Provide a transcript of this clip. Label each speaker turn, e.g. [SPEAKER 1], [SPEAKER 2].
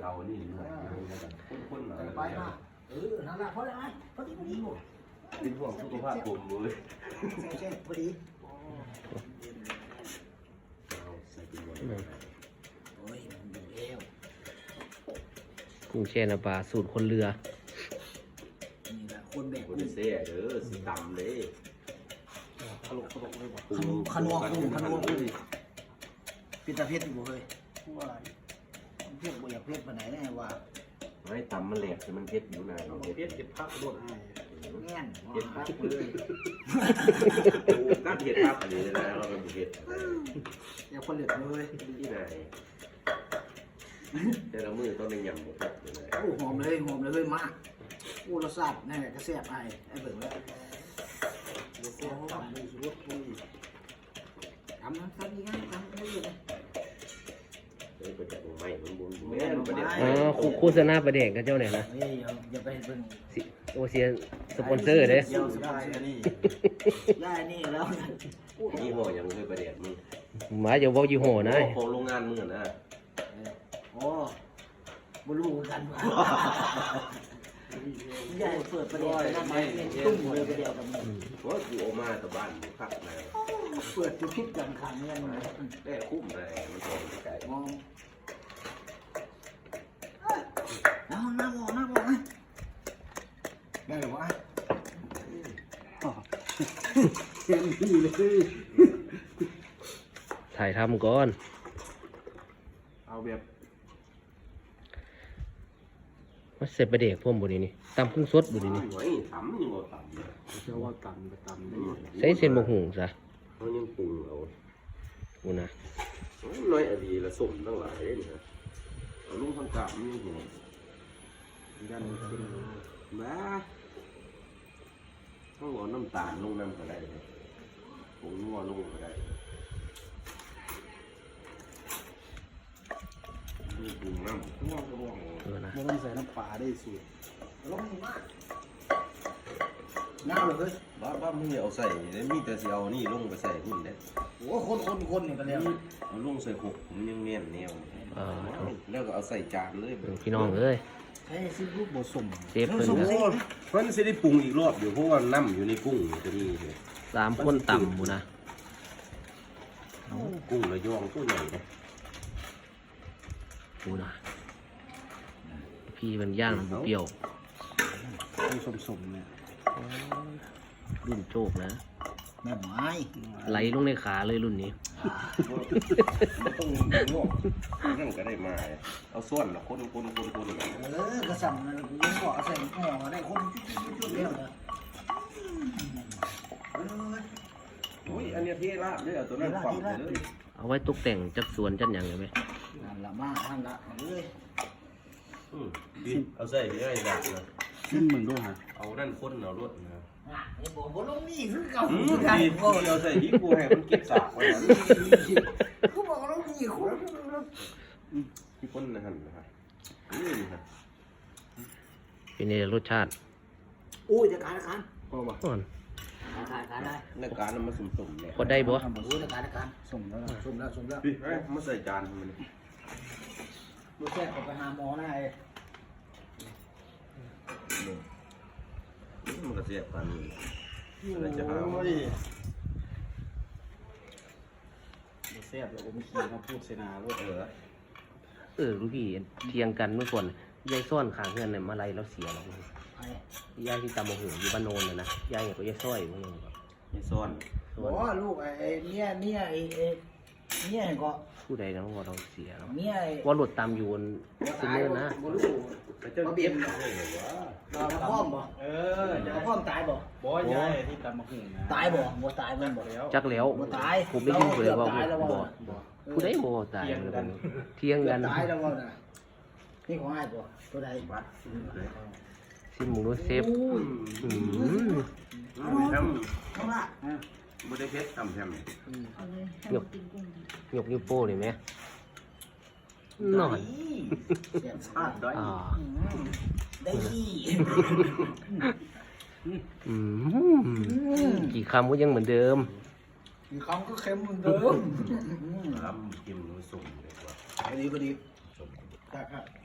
[SPEAKER 1] เอานี่หน่อยคุ้นๆหน่อยไปมา
[SPEAKER 2] นั่นแหละพอแล้วพอดีหมด
[SPEAKER 1] เป็นห่วงสุขภาพผมเลย
[SPEAKER 2] ใช่พอดี
[SPEAKER 1] ใส่กินหมด
[SPEAKER 2] โอ้ยมันดูเอว
[SPEAKER 3] กุ้งแช่น้ำปลาสูตรคนเรือ
[SPEAKER 2] นี่แหละคนแบก
[SPEAKER 1] คนเซ่เด้อสีดำเลย
[SPEAKER 2] ขนมเลยขนมเป็นตาเพชรอยู่เลยว่าเพชรบ่อยากเพชรไปไหนแน่ว่า
[SPEAKER 1] ไม่ตำมันแหลกแต่มันเพชรอยู่ไหน
[SPEAKER 4] เพชรเก็บพักโดนให้
[SPEAKER 2] แง่น
[SPEAKER 1] เพชรพักเลยนักเพชรพักอันนี้นะเราเป็นเพชร
[SPEAKER 2] อย่าคนเหลือเลย
[SPEAKER 1] ที่ไหนแต่ละมือต้องในยำหมดเลย
[SPEAKER 2] โอ้หอมเลยมากโอ้รสชาตินี่กระเสียบไอ้เบิ่งแล้วรสชาติทำมือสุดปุ้ยทำยังไงทำได้เลย
[SPEAKER 1] ประเด็นใหม่มันบุญแม่ประเด็น
[SPEAKER 3] โฆษณาประเด็นกับเจ้าเนี่ยนะ
[SPEAKER 2] อย่าไปเบิ่ง
[SPEAKER 3] โอเซียสปอนเซอร์เด้
[SPEAKER 2] ได้นี่แล้ว
[SPEAKER 1] ยี่ห้อยังไม่ประเด็นมึง
[SPEAKER 3] หมายจะบอกยี่ห้อนะ
[SPEAKER 1] ของโรงงานมึงนะ
[SPEAKER 2] โอ้บุรุษกันใหญ่เปิดประเด็นนั่นไม่ตุ้มเลยประเดี๋ยวกับมึง
[SPEAKER 1] ว่ากูออกมาแต่บ้านกูพักนะ
[SPEAKER 2] เปิดจะพิษกันขังเงินเลย
[SPEAKER 1] ได้คุ้มเลยมันตรงใจ
[SPEAKER 2] มองน้าบอกนะได้หรือวะเต็มที่เลย
[SPEAKER 3] ถ่ายทำก่อน
[SPEAKER 1] เอาแบบ
[SPEAKER 3] ว่าเสร็จประเด็กพ่วงบนนี้ตำกุ้งสดบนนี้
[SPEAKER 1] ทำยังไงท
[SPEAKER 4] ำเชื่อว่าตำได้
[SPEAKER 3] ใส่เส้นบะหุ่งซะ
[SPEAKER 1] เขายังปรุงเอา
[SPEAKER 3] กูนะ
[SPEAKER 1] น้อยอะไรละสมตั้งหลายเลยนะเอาลุงทำกะมันยังหัว
[SPEAKER 4] ยันขึ้น
[SPEAKER 1] มาต้องเอาน้ำตาลลงน้ำก็ได้ผงนัวลงก็ได้ปรุงน้ำนัวก็ว่า
[SPEAKER 4] ไม่ต้องใส่น้ำปลาได้สูตร
[SPEAKER 2] ลงมากน้าเลย
[SPEAKER 1] บ้ามึงเอาใส่มีแต่สิเอานี่ลงไปใส่หุ่นได้
[SPEAKER 2] โอ้คนนี่กันแล้ว
[SPEAKER 1] เอาลงใส่หกผมยังเนียนแนวแล้วก็เอาใส่จานเลย
[SPEAKER 3] พี่น้องเอ้ย
[SPEAKER 2] ใช่ซิลูกผสม
[SPEAKER 3] เชฟเพิ่น
[SPEAKER 1] มันจะได้ปรุงอีกรอบอยู่เพราะว่าน้ำอยู่ในกุ้งจะมี
[SPEAKER 3] 3 คนต่ำบุนะ
[SPEAKER 1] กุ้งระยองตัวใหญ่เลย
[SPEAKER 3] บุนะพี่มันย่างเปรี้ยว
[SPEAKER 4] สมเนี่ย
[SPEAKER 3] รุ่นโจกนะ
[SPEAKER 2] แม่ไม้
[SPEAKER 3] ไหลลงในขาเลยรุ่นนี้
[SPEAKER 1] ต้องงอกนั่นก็ได้มาเอาส่วนละคน
[SPEAKER 2] กระสับนั่นกูยังบอกใส่ห่อได้คนจุดเดียวนะ
[SPEAKER 1] อันนี้เท่ละด้วยเอาตัวนั้นความเลย
[SPEAKER 3] เอาไว้ตกแต่งจัดสวนจัดอย่างเลยไหม
[SPEAKER 2] นั่นละมาท่านละเลย
[SPEAKER 1] เอาใส่ไปได้ดักนะ
[SPEAKER 4] ขึ้นมึงด้วยฮะ
[SPEAKER 1] เอานั่นคนเอารถนะ
[SPEAKER 2] บอกว่าลงนี่คือเก่า
[SPEAKER 1] เอาใส่ที่กูให้มันเก็บสากไว้
[SPEAKER 2] กูบอกว่าลงนี่คุณ
[SPEAKER 1] ที่คนนะฮะ
[SPEAKER 3] เป็นในรสชาติ
[SPEAKER 2] โอ้ยจะการ
[SPEAKER 4] ก็ว่า
[SPEAKER 3] ก่อน
[SPEAKER 2] การได้
[SPEAKER 1] ในการมันมาสุ่มๆเนี่ย
[SPEAKER 3] พอได้บ่
[SPEAKER 2] ในการ
[SPEAKER 4] ส่งแล้ว
[SPEAKER 1] มาใส่จานมัน
[SPEAKER 2] ดูแค่ออกไปหาหมอได้
[SPEAKER 1] มันก็เสียบกันอะไรจะหา
[SPEAKER 4] เสียบแล้วผมขี่มาพูดเสนาว่า
[SPEAKER 3] ลูกพี่เทียงกันเมื่อก่อนยายซ่อนขางเงินเนี่ยมาไล่แล้วเสียแล้วยายที่ตำมะหูอยู่บ้านโนนเลยนะยายก็ยายซ้อยมั้ง
[SPEAKER 1] ยายซ่อน
[SPEAKER 2] อ๋อลูกไอ้เนี่ยก็
[SPEAKER 3] ผู้ใดนะว่าเราเสียแล้ว
[SPEAKER 2] เนี่ย
[SPEAKER 3] ว่าหลุดตามอยู่บนซิเนอร์นะ
[SPEAKER 1] เจ้าเบี้ย
[SPEAKER 2] มาพร้อมบ่มาพร้อมตายบ่
[SPEAKER 4] ยายที่ตำมะหูนะ
[SPEAKER 2] ตายบ่ตายมันบ่
[SPEAKER 3] จักแล้ว
[SPEAKER 2] บ่ตาย
[SPEAKER 3] ผมได้ยินเลยว่าบ่ผู้ใดบ่ตายเที่ยงกัน
[SPEAKER 2] ตายแล้วบ่น่ะนี่ของอ้ายบ่ตัวใดบัด
[SPEAKER 3] ซิมูโนเซฟ
[SPEAKER 2] ข้างล่าง
[SPEAKER 1] ไม่ได้เพชรทำแฮม
[SPEAKER 3] ยกนิ้วโป้เลยไหมหน่อย
[SPEAKER 2] ได้ที่
[SPEAKER 3] กี่คำก็ยังเหมือนเดิม
[SPEAKER 2] กี่คำก็เค็มเหมือนเดิม
[SPEAKER 1] กินผสมเลยว่า
[SPEAKER 2] พอดีครับ